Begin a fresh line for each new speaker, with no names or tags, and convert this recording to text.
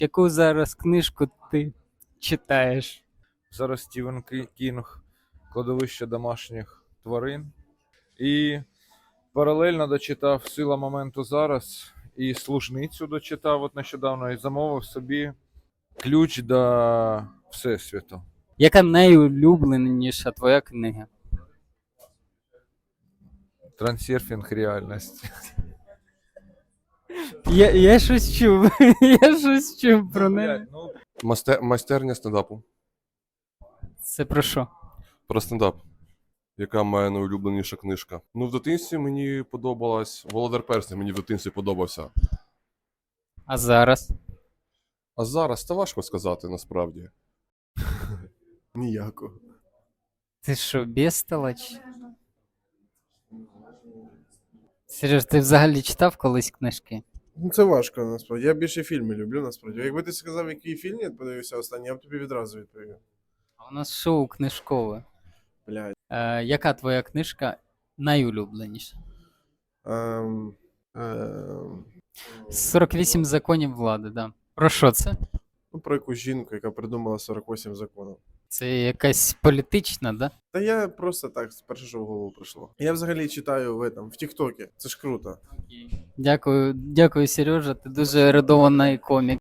Яку зараз книжку ти читаєш?
Зараз Стівен Кінг «Кладовище домашніх тварин». І паралельно дочитав «Сила моменту зараз» і «Служницю» дочитав от нещодавно і замовив собі «Ключ до Всесвіту».
Яка найулюбленіша твоя книга?
Трансерфінг реальності.
Я щось чув. Я щось чув про неї.
Ну,
Майстерня стендапу.
Це про що?
Про стендап. Яка моя найулюбленіша книжка? Ну, в дитинстві мені подобалась Володар Перснів, мені в дитинстві подобався.
А зараз?
А зараз та важко сказати насправді. Ніякого.
Ти що, бестолач? Сереж, ти взагалі читав колись книжки?
Ну, це важко, насправді. Я більше фільми люблю, насправді. Якби ти сказав, який фільм я подивився останній, я б тобі відразу відповів.
А у нас шоу книжкове.
Блядь.
Яка твоя книжка найулюбленіша?
Ем, ем,
48 законів влади, да. Про що це?
ну, про якусь жінку, яка придумала 48 законів.
Це якась політична, да?
Та я просто так, перше, що в голову прийшло. Я взагалі читаю в Тіктокі. Це ж круто.
Дякую, Сережа, ти дуже ерудований комік.